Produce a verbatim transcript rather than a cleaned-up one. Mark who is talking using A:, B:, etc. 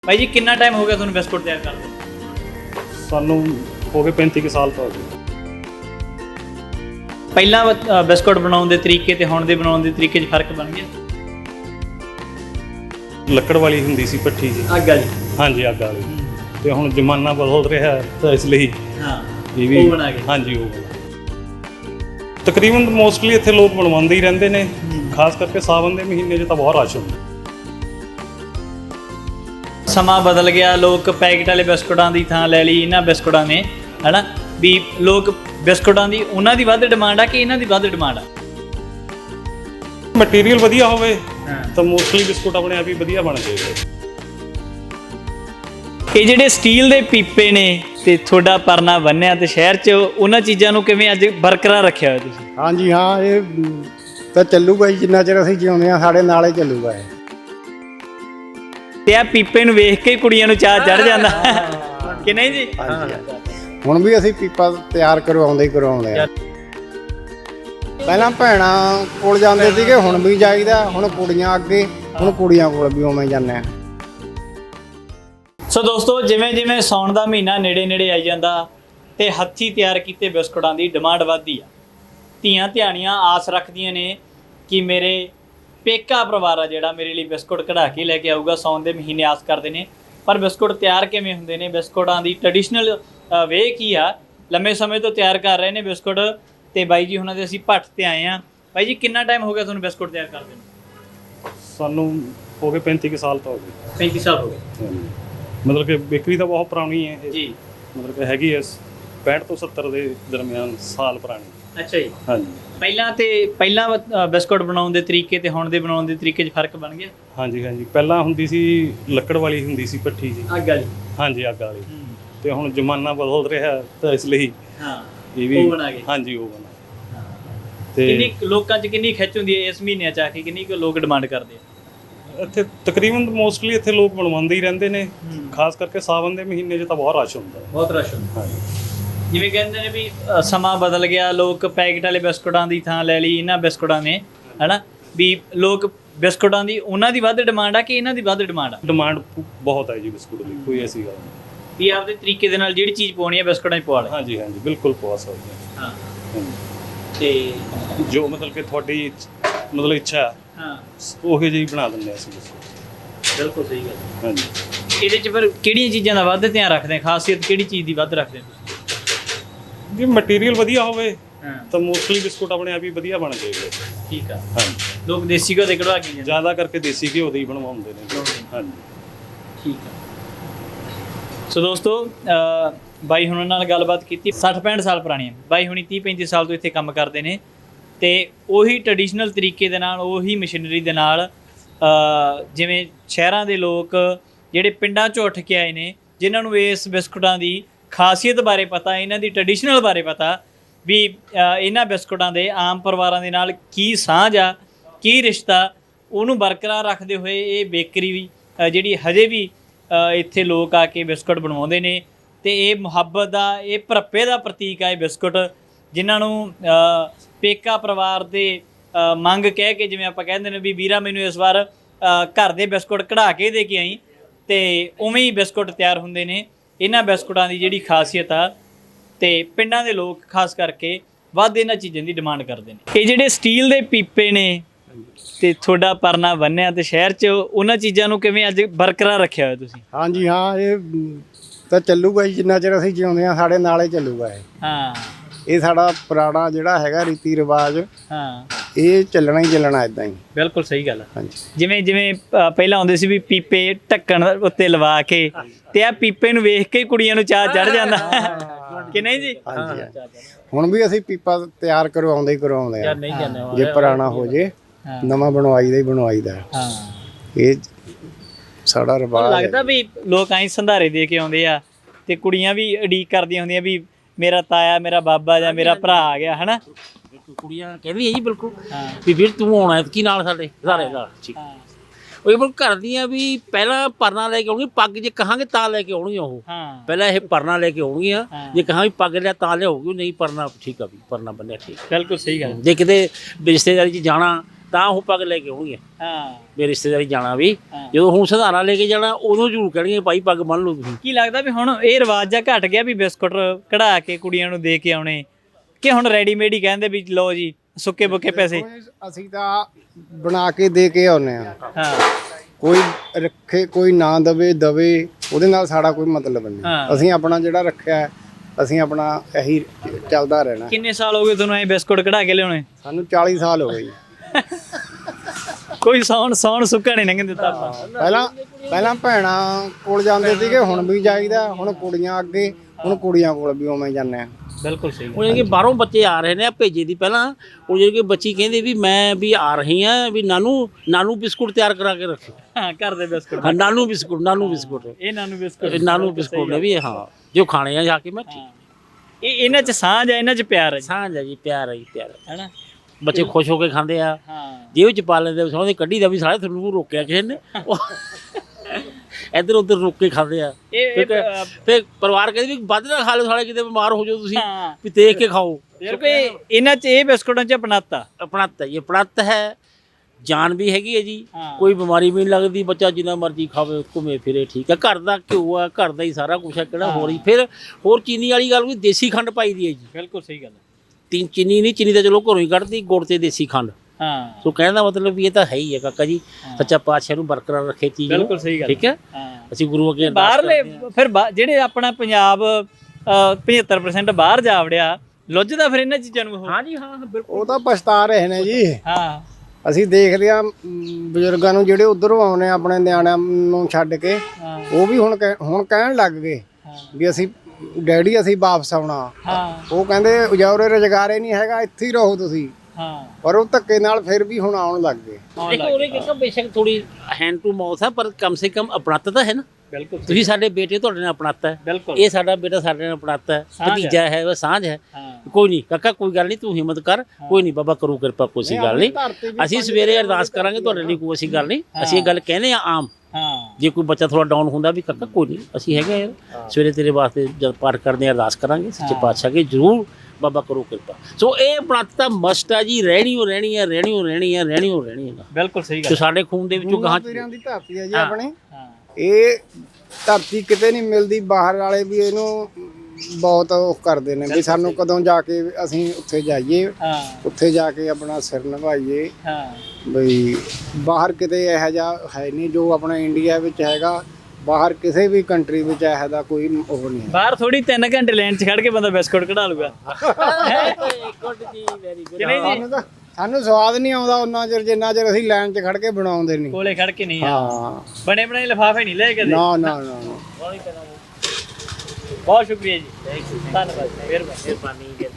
A: भाई जी कितना टाइम हो गया तुहानू बिस्कुट तैयार करदे?
B: सानू हो गए पैंती साल तो हो गए।
A: ਪਹਿਲਾਂ ਬਿਸਕੁਟ ਬਣਾਉਣ ਦੇ ਤਰੀਕੇ ਤੇ ਹੁਣ ਦੇ ਬਣਾਉਣ ਦੇ ਤਰੀਕੇ 'ਚ ਫਰਕ ਬਣ ਗਿਆ?
B: ਲੱਕੜ ਵਾਲੀ ਹੁੰਦੀ ਸੀ ਭੱਠੀ ਜੀ।
A: ਅੱਗ ਵਾਲੀ?
B: ਹਾਂਜੀ ਅੱਗ ਵਾਲੀ। ਤੇ ਹੁਣ ਜ਼ਮਾਨਾ ਬਦਲ ਰਿਹਾ ਤਾਂ ਇਸ ਲਈ
A: ਹਾਂ
B: ਇਹ ਵੀ
A: ਉਹ ਬਣਾ ਕੇ।
B: ਹਾਂਜੀ ਉਹ ਤਕਰੀਬਨ ਮੋਸਟਲੀ ਇੱਥੇ ਲੋਕ ਬਣਵਾਉਂਦੇ ਹੀ ਰਹਿੰਦੇ ਨੇ, ਖਾਸ ਕਰਕੇ ਸਾਵਨ ਦੇ ਮਹੀਨੇ 'ਚ ਤਾਂ ਬਹੁਤ ਰਸ਼ ਹੁੰਦਾ।
A: ਸਮਾਂ ਬਦਲ ਗਿਆ, ਲੋਕ ਪੈਕਟ ਵਾਲੇ ਬਿਸਕੁਟਾਂ ਦੀ ਥਾਂ ਲੈ ਲਈ ਇਹਨਾਂ ਬਿਸਕੁਟਾਂ ਨੇ, ਹੈਨਾ ਵੀ ਲੋਕ ਬਿਸਕੁਟਾਂ ਦੀ ਉਹਨਾਂ ਦੀ ਵੱਧ ਡਿਮਾਂਡ ਆ ਕਿ ਇਹਨਾਂ ਦੀ ਵੱਧ ਡਿਮਾਂਡ ਆ?
B: ਮਟੀਰੀਅਲ ਵਧੀਆ ਹੋਵੇ ਤਾਂ ਮੋਸਟਲੀ ਬਿਸਕੁਟ ਆਪਣੇ ਆਪ ਹੀ ਵਧੀਆ ਬਣ ਜਾਏਗਾ।
A: ਇਹ ਜਿਹੜੇ ਸਟੀਲ ਦੇ ਪੀਪੇ ਨੇ ਤੇ ਤੁਹਾਡਾ ਪਰਨਾ ਬੰਨਿਆ ਤੇ ਸ਼ਹਿਰ 'ਚ ਉਹਨਾਂ ਚੀਜ਼ਾਂ ਨੂੰ ਕਿਵੇਂ ਅੱਜ ਬਰਕਰਾਰ ਰੱਖਿਆ ਹੋਇਆ ਤੁਸੀਂ?
C: ਹਾਂਜੀ ਹਾਂ, ਇਹ ਤਾਂ ਚੱਲੂਗਾ ਹੀ ਜਿੰਨਾ ਚਿਰ ਅਸੀਂ ਜਿਉਂਦੇ ਹਾਂ, ਸਾਡੇ ਨਾਲ ਹੀ ਚੱਲੂਗਾ ਇਹ।
A: ਤੇ ਆ ਪੀਪੇ ਨੂੰ ਵੇਖ ਕੇ ਕੁੜੀਆਂ ਨੂੰ ਚਾਅ ਚੜ ਜਾਂਦਾ ਕਿ ਨਹੀਂ ਜੀ?
C: ਹੁਣ ਵੀ ਅਸੀਂ ਪੀਪਾ ਤਿਆਰ ਕਰਵਾਉਂਦੇ ਹੀ ਕਰਵਾਉਂਦੇ ਆ। ਪਹਿਲਾਂ ਭੈਣਾਂ ਕੋਲ ਜਾਂਦੇ ਸੀਗੇ, ਹੁਣ ਵੀ ਜਾਈਦਾ, ਹੁਣ ਕੁੜੀਆਂ ਅੱਗੇ, ਹੁਣ ਕੁੜੀਆਂ ਕੋਲ ਵੀ ਉਵੇਂ ਜਾਂਦੇ ਆ।
A: ਸੋ ਦੋਸਤੋ, ਜਿਵੇਂ ਜਿਵੇਂ ਸਾਉਣ ਦਾ ਮਹੀਨਾ ਨੇੜੇ ਨੇੜੇ ਆਈ ਜਾਂਦਾ ਤੇ ਹੱਥੀ ਤਿਆਰ ਕੀਤੇ ਬਿਸਕੁਟਾਂ ਦੀ ਡਿਮਾਂਡ ਵੱਧਦੀ ਆ। ਧੀਆਂ ਧਿਆਣੀਆਂ ਆਸ ਰੱਖਦੀਆਂ ਨੇ ਕਿ ਮੇਰੇ ਪੇਕਾ ਪਰਿਵਾਰ ਆ ਜਿਹੜਾ ਮੇਰੇ ਲਈ ਬਿਸਕੁਟ ਕਢਾ ਕੇ ਲੈ ਕੇ ਆਊਗਾ। ਸਾਉਣ ਦੇ ਮਹੀਨੇ ਆਸ ਕਰਦੇ ਨੇ, ਪਰ ਬਿਸਕੁਟ ਤਿਆਰ ਕਿਵੇਂ ਹੁੰਦੇ ਨੇ, ਬਿਸਕੁਟਾਂ ਦੀ ਟ੍ਰੈਡੀਸ਼ਨਲ ਵੇ ਕੀ ਆ, ਲੰਮੇ ਸਮੇਂ ਤੋਂ ਤਿਆਰ ਕਰ ਰਹੇ ਨੇ ਬਿਸਕੁਟ। ਤੇ ਬਾਈ ਜੀ ਉਹਨਾਂ ਦੇ ਅਸੀਂ ਭੱਠ ਤੇ ਆਏ ਆ। ਬਾਈ ਜੀ ਕਿੰਨਾ ਟਾਈਮ ਹੋ ਗਿਆ ਤੁਹਾਨੂੰ ਬਿਸਕੁਟ ਤਿਆਰ ਕਰਦੇ ਨੂੰ?
B: ਸਾਨੂੰ ਹੋ ਗਏ ਪੈਂਤੀ ਸਾਲ ਤਾਂ ਹੋ ਗਏ।
A: ਪੈਂਤੀ ਸਾਲ ਹੋ ਗਏ?
B: ਮਤਲਬ ਕਿ ਬੇਕਰੀ ਤਾਂ ਬਹੁਤ ਪੁਰਾਣੀ ਹੈ ਇਹ
A: ਜੀ।
B: ਮਤਲਬ ਕਿ ਹੈਗੀ ਹੈ ਪੈਂਹਠ ਤੋਂ ਸੱਤਰ ਦੇ ਦਰਮਿਆਨ ਸਾਲ ਪੁਰਾਣੀ।
A: ਅੱਛਾ ਜੀ।
B: ਹਾਂਜੀ।
A: ਪਹਿਲਾਂ ਤੇ ਪਹਿਲਾਂ ਬਿਸਕੁਟ ਬਣਾਉਣ ਦੇ ਤਰੀਕੇ ਤੇ ਹੁਣ ਦੇ ਬਣਾਉਣ ਦੇ ਤਰੀਕੇ 'ਚ ਫਰਕ ਬਣ ਗਿਆ?
B: ਹਾਂਜੀ ਹਾਂਜੀ। ਪਹਿਲਾਂ ਹੁੰਦੀ ਸੀ ਲੱਕੜ ਵਾਲੀ ਹੁੰਦੀ ਸੀ ਭੱਠੀ ਜੀ।
A: ਅੱਗ ਵਾਲੀ?
B: ਹਾਂਜੀ ਅੱਗ ਵਾਲੀ। ਤੇ ਹੁਣ ਜ਼ਮਾਨਾ ਬਦਲ ਰਿਹਾ ਤਾਂ ਇਸ ਲਈ
A: ਹਾਂ
B: ਇਹ ਵੀ
A: ਉਹ ਬਣਾ ਕੇ।
B: ਹਾਂਜੀ ਉਹ ਬਣਾ
A: ਤੇ ਕਿੰਨੀ ਲੋਕਾਂ 'ਚ ਕਿੰਨੀ ਖਿੱਚ ਹੁੰਦੀ ਹੈ ਇਸ ਮਹੀਨਿਆਂ 'ਚ ਆ ਕੇ, ਕਿੰਨੀ ਕੁ ਲੋਕ ਡਿਮਾਂਡ ਕਰਦੇ ਆ?
B: ਇੱਥੇ ਤਕਰੀਬਨ ਮੋਸਟਲੀ ਇੱਥੇ ਲੋਕ ਬਣਵਾਉਂਦੇ ਹੀ ਰਹਿੰਦੇ ਨੇ, ਖਾਸ ਕਰਕੇ ਸਾਵਨ ਦੇ ਮਹੀਨੇ 'ਚ ਤਾਂ ਬਹੁਤ ਰਸ਼ ਹੁੰਦਾ।
A: ਬਹੁਤ ਰਸ਼ ਹੁੰਦਾ।
B: ਹਾਂਜੀ।
A: ਜਿਵੇਂ ਕਹਿੰਦੇ ਨੇ ਵੀ ਸਮਾਂ ਬਦਲ ਗਿਆ, ਲੋਕ ਪੈਕਟ ਵਾਲੇ ਬਿਸਕੁਟਾਂ ਦੀ ਥਾਂ ਲੈ ਲਈ ਇਹਨਾਂ ਬਿਸਕੁਟਾਂ ਨੇ, ਹੈਨਾ ਵੀ ਲੋਕ ਬਿਸਕੁਟਾਂ ਦੀ ਉਹਨਾਂ ਦੀ ਵੱਧ ਡਿਮਾਂਡ ਆ ਕਿ ਇਹਨਾਂ ਦੀ ਵੱਧ ਡਿਮਾਂਡ ਆ?
B: ਡਿਮਾਂਡ ਬਹੁਤ ਹੈ ਜੀ ਬਿਸਕੁਟ ਦੀ, ਕੋਈ ਐਸੀ ਗੱਲ ਨਹੀਂ।
A: ਵੀ ਆਪਦੇ ਤਰੀਕੇ ਦੇ ਨਾਲ ਜਿਹੜੀ ਚੀਜ਼ ਪਾਉਣੀ ਹੈ ਬਿਸਕੁਟਾਂ 'ਚ ਪਵਾ ਲੈ।
B: ਹਾਂਜੀ ਹਾਂਜੀ ਬਿਲਕੁਲ ਪਵਾ ਸਕਦੇ
A: ਹਾਂ।
B: ਹਾਂ।
A: ਤੇ
B: ਜੋ ਮਤਲਬ ਕਿ ਤੁਹਾਡੀ ਮਤਲਬ ਇੱਛਾ
A: ਹਾਂ
B: ਉਹੋ ਜਿਹੀ ਬਣਾ ਦਿੰਦੇ ਅਸੀਂ ਬਿਸਕੁਟ।
A: ਬਿਲਕੁਲ ਸਹੀ ਗੱਲ।
B: ਹਾਂਜੀ।
A: ਇਹਦੇ 'ਚ ਫਿਰ ਕਿਹੜੀਆਂ ਚੀਜ਼ਾਂ ਦਾ ਵੱਧ ਧਿਆਨ ਰੱਖਦੇ ਆ, ਖਾਸੀਅਤ ਕਿਹੜੀ ਚੀਜ਼ ਦੀ ਵੱਧ ਰੱਖਦੇ ਆ ਤੁਸੀਂ?
B: ਜੇ ਮਟੀਰੀਅਲ ਵਧੀਆ ਹੋਵੇ
A: ਹਾਂ
B: ਤਾਂ ਮੋਸਟਲੀ ਬਿਸਕੁਟ ਆਪਣੇ ਆਪ ਹੀ ਵਧੀਆ ਬਣ ਜਾਏਗਾ।
A: ਠੀਕ ਆ।
B: ਹਾਂਜੀ।
A: ਲੋਕ ਦੇਸੀ ਘਿਓ ਦੇ ਕਢਵਾ ਕੇ ਜਾਂਦੇ?
B: ਜ਼ਿਆਦਾ ਕਰਕੇ ਦੇਸੀ ਘਿਓ ਦੇ ਹੀ ਬਣਵਾਉਂਦੇ ਨੇ। ਹਾਂਜੀ।
A: ਠੀਕ ਆ। ਸੋ ਦੋਸਤੋ, ਬਾਈ ਹੁਣਾਂ ਨਾਲ ਗੱਲਬਾਤ ਕੀਤੀ। ਸੱਠ ਪੈਂਹਠ ਸਾਲ ਪੁਰਾਣੀਆਂ ਬਾਈ ਹੁਣੀ ਤੀਹ ਪੈਂਤੀ ਸਾਲ ਤੋਂ ਇੱਥੇ ਕੰਮ ਕਰਦੇ ਨੇ ਤੇ ਉਹੀ ਟ੍ਰੈਡੀਸ਼ਨਲ ਤਰੀਕੇ ਦੇ ਨਾਲ, ਉਹੀ ਮਸ਼ੀਨਰੀ ਦੇ ਨਾਲ, ਜਿਵੇਂ ਸ਼ਹਿਰਾਂ ਦੇ ਲੋਕ ਜਿਹੜੇ ਪਿੰਡਾਂ 'ਚੋਂ ਉੱਠ ਕੇ ਆਏ ਨੇ, ਜਿਨ੍ਹਾਂ ਨੂੰ ਇਸ ਬਿਸਕੁਟਾਂ ਦੀ ਖਾਸੀਅਤ ਬਾਰੇ ਪਤਾ, ਇਹਨਾਂ ਦੀ ਟ੍ਰੈਡੀਸ਼ਨਲ ਬਾਰੇ ਪਤਾ ਵੀ ਇਹਨਾਂ ਬਿਸਕੁਟਾਂ ਦੇ ਆਮ ਪਰਿਵਾਰਾਂ ਦੇ ਨਾਲ ਕੀ ਸਾਂਝ ਆ, ਕੀ ਰਿਸ਼ਤਾ, ਉਹਨੂੰ ਬਰਕਰਾਰ ਰੱਖਦੇ ਹੋਏ ਇਹ ਬੇਕਰੀ ਵੀ ਜਿਹੜੀ ਹਜੇ ਵੀ ਇੱਥੇ ਲੋਕ ਆ ਕੇ ਬਿਸਕੁਟ ਬਣਵਾਉਂਦੇ ਨੇ। ਤੇ ਇਹ ਮੁਹੱਬਤ ਦਾ, ਇਹ ਭਰੱਪੇ ਦਾ ਪ੍ਰਤੀਕ ਆ ਇਹ ਬਿਸਕੁਟ, ਜਿਨ੍ਹਾਂ ਨੂੰ ਪੇਕਾ ਪਰਿਵਾਰ ਦੇ ਮੰਗ ਕਹਿ ਕੇ, ਜਿਵੇਂ ਆਪਾਂ ਕਹਿੰਦੇ ਨੇ ਵੀ ਵੀਰਾ ਮੈਨੂੰ ਇਸ ਵਾਰ ਘਰ ਦੇ ਬਿਸਕੁਟ ਕਢਾ ਕੇ ਦੇ ਕੇ ਆਈ, ਤੇ ਉਵੇਂ ਹੀ ਬਿਸਕੁਟ ਤਿਆਰ ਹੁੰਦੇ ਨੇ। ਇਹਨਾਂ ਬਿਸਕੁਟਾਂ ਦੀ ਜਿਹੜੀ ਖਾਸੀਅਤ ਆ, ਤੇ ਪਿੰਡਾਂ ਦੇ ਲੋਕ ਖਾਸ ਕਰਕੇ ਵੱਧ ਇਹਨਾਂ ਚੀਜ਼ਾਂ ਦੀ ਡਿਮਾਂਡ ਕਰਦੇ ਨੇ। ਇਹ ਜਿਹੜੇ ਸਟੀਲ ਦੇ ਪੀਪੇ ਨੇ ਤੇ ਤੁਹਾਡਾ ਪਰਨਾ ਬੰਨਿਆ ਤੇ ਸ਼ਹਿਰ 'ਚ ਉਹਨਾਂ ਚੀਜ਼ਾਂ ਨੂੰ ਕਿਵੇਂ ਅੱਜ ਬਰਕਰਾਰ ਰੱਖਿਆ ਹੋਇਆ ਤੁਸੀਂ?
C: ਹਾਂਜੀ ਹਾਂ, ਇਹ ਤਾਂ ਚੱਲੂਗਾ ਹੀ ਜਿੰਨਾ ਚਿਰ ਅਸੀਂ ਜਿਉਂਦੇ ਹਾਂ, ਸਾਡੇ ਨਾਲ ਹੀ ਚੱਲੂਗਾ ਇਹ।
A: ਹਾਂ।
C: ਇਹ ਸਾਡਾ ਪੁਰਾਣਾ ਜਿਹੜਾ ਹੈਗਾ ਰੀਤੀ ਰਿਵਾਜ,
A: ਹਾਂ
C: ਇਹ ਚੱਲਣਾ ਹੀ ਚੱਲਣਾ ਇਦਾਂ ਹੀ।
A: ਬਿਲਕੁਲ ਸਹੀ ਗੱਲ ਆ।
C: ਹਾਂਜੀ।
A: ਜਿਵੇਂ ਜਿਵੇਂ ਪਹਿਲਾਂ ਹੁੰਦੇ ਸੀ ਵੀ ਪੀਪੇ ਢੱਕਣ ਉੱਤੇ ਲਵਾ ਕੇ, ਤੇ ਆ ਪੀਪੇ ਨੂੰ ਵੇਖ ਕੇ ਕੁੜੀਆਂ ਨੂੰ ਚਾਅ ਚੜ ਜਾਂਦਾ ਕਿ ਨਹੀਂ ਜੀ?
C: ਹਾਂਜੀ। ਹੁਣ ਵੀ ਅਸੀਂ ਪੀਪਾ ਤਿਆਰ ਕਰਵਾਉਂਦੇ ਹੀ ਕਰਵਾਉਂਦੇ ਆ। ਜੇ ਪੁਰਾਣਾ ਹੋ ਜੇ, ਨਵਾਂ ਬਣਵਾਈ ਦਾ ਹੀ ਬਣਵਾਈ ਦਾ।
A: ਹਾਂ।
C: ਇਹ ਸਾਡਾ ਰਿਵਾਜ ਹੈ।
A: ਲੱਗਦਾ ਵੀ ਲੋਕ ਆਈ ਸੰਧਾਰੇ ਦੇ ਕੇ ਆਉਂਦੇ ਆ ਤੇ ਕੁੜੀਆਂ ਵੀ ਉਡੀਕ ਕਰਦੀਆਂ ਹੁੰਦੀਆਂ ਵੀ ਮੇਰਾ ਤਾਇਆ, ਮੇਰਾ ਬਾਬਾ ਜਾਂ ਮੇਰਾ ਭਰਾ ਆ ਗਿਆ, ਹਨਾ?
D: ਕੁੜੀਆਂ ਕਹਿੰਦੀਆਂ ਜੀ ਬਿਲਕੁਲ ਵੀ ਵੀਰ ਤੂੰ ਆਉਣਾ ਕੀ ਨਾਲ ਸਾਡੇ ਸਾਰੇ ਨਾਲ। ਠੀਕ। ਉਹ ਬਿਲਕੁਲ ਕਰਦੀਆਂ ਵੀ ਪਹਿਲਾਂ ਪਰਨਾ ਲੈ ਕੇ ਆਉਣਗੇ, ਪੱਗ ਜੇ ਕਹਾਂਗੇ ਤਾਂ ਲੈ ਕੇ ਆਉਣਗੀਆਂ ਉਹ। ਪਹਿਲਾਂ ਇਹ ਪਰਨਾ ਲੈ ਕੇ ਆਉਣਗੀਆਂ, ਜੇ ਕਹਾਂ ਵੀ ਪੱਗ ਲਿਆ ਤਾਂ ਲਿਆਉਗੀ, ਨਹੀਂ ਪਰਨਾ ਠੀਕ ਆ ਵੀ ਪਰਨਾ ਬੰਨਿਆ ਠੀਕ।
A: ਬਿਲਕੁਲ ਸਹੀ ਗੱਲ।
D: ਜੇ ਕਿਤੇ ਰਿਸ਼ਤੇਦਾਰੀ 'ਚ ਜਾਣਾ ਤਾਂ ਉਹ ਪੱਗ ਲੈ ਕੇ ਆਉਣਗੇ
A: ਹਾਂ
D: ਵੀ ਰਿਸ਼ਤੇਦਾਰੀ ਜਾਣਾ ਵੀ
A: ਹਾਂ।
D: ਜਦੋਂ ਹੁਣ ਸੰਧਾਰਾ ਲੈ ਕੇ ਜਾਣਾ ਉਦੋਂ ਜ਼ਰੂਰ ਕਹਿਣਗੇ ਭਾਈ ਪੱਗ ਬੰਨ੍ਹ ਲਓ ਤੁਸੀਂ।
A: ਕੀ ਲੱਗਦਾ ਵੀ ਹੁਣ ਇਹ ਰਿਵਾਜ ਜਾਂ ਘਟ ਗਿਆ ਵੀ ਬਿਸਕੁਟ ਕਢਾ ਕੇ ਕੁੜੀਆਂ ਨੂੰ ਦੇ ਕੇ ਆਉਣੇ, ਕਿ ਹੁਣ ਰੈਡੀਮੇਡ ਹੀ ਕਹਿੰਦੇ ਵੀ ਲਓ ਜੀ ਸੁੱਕੇ ਬੁੱਕੇ ਪੈਸੇ?
C: ਅਸੀਂ ਤਾਂ ਬਣਾ ਕੇ ਦੇ ਕੇ ਆਉਨੇ ਆ,
A: ਹਾਂ
C: ਕੋਈ ਰੱਖੇ ਕੋਈ ਨਾ ਦਵੇ ਦਵੇ ਉਹਦੇ ਨਾਲ ਸਾਡਾ ਕੋਈ ਮਤਲਬ ਨਹੀਂ।
A: ਹਾਂ।
C: ਅਸੀਂ ਆਪਣਾ ਜਿਹੜਾ ਰੱਖਿਆ ਹੈ, ਅਸੀਂ ਆਪਣਾ ਇਹੀ ਚੱਲਦਾ ਰਹਿਣਾ।
A: ਕਿੰਨੇ ਸਾਲ ਹੋ ਗਏ ਤੁਹਾਨੂੰ ਐ ਬਿਸਕੁਟ ਕਢਾ ਕੇ ਲਿਆਉਣੇ?
C: ਸਾਨੂੰ ਚਾਲੀ ਸਾਲ ਹੋ ਗਏ ਜੀ।
A: ਕੋਈ ਸੌਣ ਸੌਣ ਸੁੱਕਾ ਨਹੀਂ ਲੰਘਣ ਦਿੱਤਾ ਆਪਾਂ।
C: ਪਹਿਲਾਂ ਪਹਿਲਾਂ ਭੈਣਾਂ ਕੋਲ ਜਾਂਦੇ ਸੀਗੇ, ਹੁਣ ਵੀ ਜਾਈਦਾ, ਹੁਣ ਕੁੜੀਆਂ ਅੱਗੇ, ਹੁਣ ਕੁੜੀਆਂ ਕੋਲ ਵੀ ਉਵੇਂ ਜਾਂਦੇ ਆ।
A: ਬਿਲਕੁਲ ਸਹੀ।
D: ਉਹ ਜਿਹੜੇ ਬਾਹਰੋਂ ਬੱਚੇ ਆ ਰਹੇ ਨੇ ਆ ਭੇਜੇ ਦੀ ਪਹਿਲਾਂ ਉਹ ਜਿਹੜੇ ਕਿ ਬੱਚੀ ਕਹਿੰਦੇ ਵੀ ਮੈਂ ਵੀ ਆ ਰਹੀ ਆ ਵੀ ਨਾਨੂ ਨਾਨੂ ਬਿਸਕੁਟ ਤਿਆਰ ਕਰਾ ਕੇ ਰੱਖੋ।
A: ਹਾਂ ਘਰ ਦੇ ਬਿਸਕੁਟ।
D: ਹਾਂ ਨਾਨੂ ਬਿਸਕੁਟ ਨਾਨੂ ਬਿਸਕੁਟ
A: ਇਹ ਨਾਨੂ ਬਿਸਕੁਟ
D: ਇਹ ਨਾਨੂ ਬਿਸਕੁਟ ਨੇ ਵੀ ਹਾਂ ਜੋ ਖਾਣੇ ਆ ਜਾ ਕੇ ਮੈਂ ਠੀਕ।
A: ਇਹ ਇਹਨਾਂ ਚ ਸਾਂਝ ਹੈ, ਇਹਨਾਂ ਚ ਪਿਆਰ ਹੈ ਜੀ,
D: ਸਾਂਝ ਹੈ ਜੀ ਪਿਆਰ ਹੈ ਜੀ ਪਿਆਰ ਹੈ।
A: ਹੈਨਾ?
D: ਬੱਚੇ ਖੁਸ਼ ਹੋ ਕੇ ਖਾਂਦੇ ਆ
A: ਹਾਂ
D: ਜੇਬ ਚ ਪਾ ਲੈਂਦੇ ਸੋਹਣੇ ਕੱਢੀ ਦਾ ਵੀ ਸਾਰੇ ਤੁਹਾਨੂੰ ਰੋਕਿਆ ਕਿਸੇ ਨੇ ਇੱਧਰ ਉੱਧਰ ਰੁਕ ਕੇ ਖਾਂਦੇ ਆ।
A: ਇਹ
D: ਠੀਕ ਹੈ। ਫਿਰ ਪਰਿਵਾਰ ਕਹਿੰਦੇ ਵੀ ਵੱਧ ਨਾ ਖਾ ਲਓ ਸਾਲੇ ਕਿਤੇ ਬਿਮਾਰ ਹੋ ਜਾਓ ਤੁਸੀਂ
A: ਹਾਂ
D: ਵੀ ਦੇਖ ਕੇ ਖਾਓ।
A: ਯਾਰ ਕੋਈ ਇਹਨਾਂ ਚ ਇਹ ਬਿਸਕੁਟਾਂ ਚ ਅਪਣਾਤਾ।
D: ਆਪਣਤ ਹੈ ਇਹ ਆਪਣਤ ਹੈ ਜਾਨ ਵੀ ਹੈਗੀ ਹੈ ਜੀ
A: ਹਾਂ।
D: ਕੋਈ ਬਿਮਾਰੀ ਵੀ ਨਹੀਂ ਲੱਗਦੀ ਬੱਚਾ ਜਿੰਨਾ ਮਰਜ਼ੀ ਖਾਵੇ ਘੁੰਮੇ ਫਿਰੇ ਠੀਕ ਹੈ ਘਰ ਦਾ ਘਿਓ ਆ ਘਰ ਦਾ ਹੀ ਸਾਰਾ ਕੁਛ ਹੈ ਕਿਹੜਾ ਹੋਰ ਹੀ ਫਿਰ ਹੋਰ ਚੀਨੀ ਵਾਲੀ ਗੱਲ ਵੀ ਦੇਸੀ ਖੰਡ ਪਾਈ ਦੀ ਹੈ ਜੀ
A: ਬਿਲਕੁਲ ਸਹੀ ਗੱਲ ਹੈ।
D: ਤਿੰਨ ਚੀਨੀ ਨਹੀਂ ਚੀਨੀ ਤਾਂ ਚਲੋ ਘਰੋਂ ਹੀ ਕੱਢਦੀ ਗੁੜ ਤੇ ਦੇਸੀ ਖੰਡ
A: ਹਾਂ
D: ਸੋ ਕਹਿਣ ਦਾ ਮਤਲਬ ਵੀ ਇਹ ਤਾਂ ਹੈ ਹੀ ਹੈ ਕਾਕਾ ਜੀ ਸੱਚਾ ਪਾਤਸ਼ਾਹ ਨੂੰ ਬਰਕਰਾਰ ਰੱਖੇ ਚੀਜ਼ ਨੂੰ।
A: ਬਿਲਕੁਲ ਸਹੀ ਗੱਲ
D: ਠੀਕ ਹੈ
A: ਹਾਂ।
D: ਅਸੀਂ ਗੁਰੂ ਅੱਗੇ ਅਰਦਾਸ
A: ਬਾਹਰਲੇ
D: ਕਰਦੇ ਹਾਂ।
A: ਫਿਰ ਬਾ- ਜਿਹੜੇ ਆਪਣਾ ਪੰਜਾਬ ਅ, ਪਝੱਤਰ ਪ੍ਰਸੈਂਟ ਬਾਹਰ ਜਾ ਵੜਿਆ ਲੁੱਝਦਾ ਫਿਰ ਇਹਨਾਂ ਚੀਜ਼ਾਂ ਨੂੰ ਉਹ।
D: ਹਾਂ ਜੀ ਹਾਂ ਬਿਲਕੁਲ
C: ਉਹ ਤਾਂ ਪਛਤਾ ਰਹੇ ਨੇ ਜੀ।
A: ਹਾਂ
C: ਅਸੀਂ ਦੇਖ ਲਿਆ ਮ, ਬਜ਼ੁਰਗਾਂ ਨੂੰ ਜਿਹੜੇ ਉਧਰੋਂ ਆਉਣੇ ਆ ਆਪਣੇ ਨਿਆਣਿਆਂ ਨੂੰ ਛੱਡ ਕੇ,
A: ਹਾਂ
C: ਉਹ ਵੀ ਹੁਣ ਕਹਿ- ਹੁਣ ਕਹਿਣ ਲੱਗ ਗਏ
A: ਹਾਂ
C: ਵੀ ਅਸੀਂ ਡੈਡੀ ਅਸੀਂ ਵਾਪਸ ਆਉਣਾ।
A: ਹਾਂ
C: ਉਹ ਕਹਿੰਦੇ ਉਜਾਉਰੇ ਰੁਜ਼ਗਾਰੇ ਨਹੀਂ ਹੈਗਾ, ਇੱਥੇ ਹੀ ਰਹੋ ਤੁਸੀਂ।
A: ਹਾਂ
C: ਪਰ ਉਹ ਧੱਕੇ ਨਾਲ ਫਿਰ ਵੀ ਹੁਣ ਆਉਣ ਲੱਗ ਗਏ।
D: ਦੇਖੋ ਉਹਨੇ ਕਿਹਾ ਬੇਸ਼ੱਕ ਥੋੜੀ ਹੈਂਡ ਟੂ ਮਾਊਥ ਹੈ ਪਰ ਕਮ ਸੇ ਕਮ ਆਪਣਤ ਤਾਂ ਹੈ ਨਾ।
A: ਬਿਲਕੁਲ
D: ਤੁਸੀਂ ਸਾਡੇ ਬੇਟੇ ਤੁਹਾਡੇ ਨਾਲ ਆਪਣਤ ਹੈ
A: ਬਿਲਕੁਲ
D: ਇਹ ਸਾਡਾ ਬੇਟਾ ਸਾਡੇ ਨਾਲ ਆਪਣਤ ਹੈ
A: ਸਾਂਝ ਹੈ।
D: ਭਤੀਜਾ ਹੈ ਉਹ ਸਾਂਝ ਹੈ।
A: ਹਾਂ
D: ਕੋਈ ਨਹੀਂ ਕਾਕਾ ਕੋਈ ਗੱਲ ਨਹੀਂ ਤੂੰ ਹਿੰਮਤ ਕਰ ਕੋਈ ਨਹੀਂ ਬਾਬਾ ਕਰੂ ਕਿਰਪਾ ਕੋਈ ਗੱਲ ਨਹੀਂ ਅਸੀਂ ਸਵੇਰੇ ਅਰਦਾਸ ਕਰਾਂਗੇ ਤੁਹਾਡੇ ਲਈ ਕੋਈ ਅਸੀਂ ਗੱਲ ਨਹੀਂ ਅਸੀਂ ਇਹ ਗੱਲ ਕਹਿੰਦੇ ਆ ਆਮ
A: ਹਾਂ
D: ਜੇ ਕੋਈ ਬੱਚਾ ਥੋੜਾ ਡਾਊਨ ਹੁੰਦਾ ਵੀ ਕਾਕਾ ਕੋਈ ਨਹੀਂ ਅਸੀਂ ਹੈਗੇ ਯਾਰ ਸਵੇਰੇ ਤੇਰੇ ਵਾਸਤੇ ਜਦ ਪਾਠ ਕਰਦੇ ਆ ਅਰਦਾਸ ਕਰਾਂਗੇ ਸੱਚੇ ਪਾਤਸ਼ਾਹ ਕੇ ਜ਼ਰੂਰ ਬਾਬਾ ਕਰੂ ਕਿਰਪਾ। ਸੋ ਇਹ ਆਪਣਤ ਤਾਂ ਮਸਟ ਹੈ ਜੀ ਰਹਿਣੀ ਓ ਰਹਿਣੀ ਹੈ ਰਹਿਣੀ ਓ ਰਹਿਣੀ ਹੈ ਰਹਿਣੀ ਓ ਰਹਿਣੀ ਹੈ
A: ਬਿਲਕੁਲ ਸਹੀ
D: ਤੇ
A: ਗੱਲ
D: ਸਾਡੇ ਖੂਨ ਦੇ ਵਿੱਚੋਂ ਗਾਂ
C: ਪੀਰਾਂ ਦੀ ਧਰਤੀ ਹੈ ਜੀ
D: ਹਾਂ।
C: ਆਪਣੀ।
A: ਹਾਂ
C: ਇਹ ਧਰਤੀ ਕਿਤੇ ਨਹੀਂ ਮਿਲਦੀ, ਬਾਹਰ ਵਾਲੇ ਵੀ ਇਹਨੂੰ ਬਹੁਤ ਉਹ ਕਰਦੇ ਨੇ ਵੀ ਸਾਨੂੰ ਕਦੋਂ ਜਾ ਕੇ ਅਸੀਂ ਉੱਥੇ ਜਾਈਏ,
A: ਹਾਂ
C: ਉੱਥੇ ਜਾ ਕੇ ਆਪਣਾ ਸਿਰ ਨਿਭਾਈਏ।
A: ਹਾਂ
C: ਬਈ ਬਾਹਰ ਕਿਤੇ ਇਹੋ ਜਿਹਾ ਹੈ ਨਹੀਂ ਜੋ ਆਪਣਾ ਇੰਡੀਆ ਵਿੱਚ ਹੈਗਾ। ਬਾਹਰ ਕਿਸੇ ਵੀ ਕੰਟਰੀ ਵਿੱਚ ਇਹੋ ਜਿਹਾ ਕੋਈ ਉਹ ਨਹੀਂ ਹੈ।
A: ਬਾਹਰ ਥੋੜੀ ਤਿੰਨ ਘੰਟੇ ਲਾਈਨ 'ਚ ਖੜ ਕੇ ਬੰਦਾ ਬਿਸਕੁਟ ਕਢਾ ਲੂਗਾ।
D: ਗੁੱਡ ਜੀ ਵੈਰੀ ਗੁੱਡ
A: ਕਿ ਨਹੀਂ ਜੀ?
C: ਸਾਨੂੰ ਤਾਂ ਸਾਨੂੰ ਸਵਾਦ ਨਹੀਂ ਆਉਂਦਾ ਉਹਨਾਂ ਚਿਰ ਜਿੰਨਾ ਚਿਰ ਅਸੀਂ ਲਾਈਨ 'ਚ ਖੜ ਕੇ ਬਣਾਉਂਦੇ ਨਹੀਂ।
A: ਕੋਲੇ ਖੜ ਕੇ ਨਹੀਂ ਆ
C: ਹਾਂ
A: ਬਣੇ ਬਣਾਏ ਲਿਫਾਫੇ ਨਹੀਂ ਲੈ ਕਦੇ।
C: ਨਾ ਨਾ ਨਾ ਨਾ।
A: ਬਹੁਤ ਸ਼ੁਕਰੀਆ ਜੀ, ਧੰਨਵਾਦ, ਮਿਹਰਬਾਨੀ।
D: ਮਿਹਰਬਾਨੀ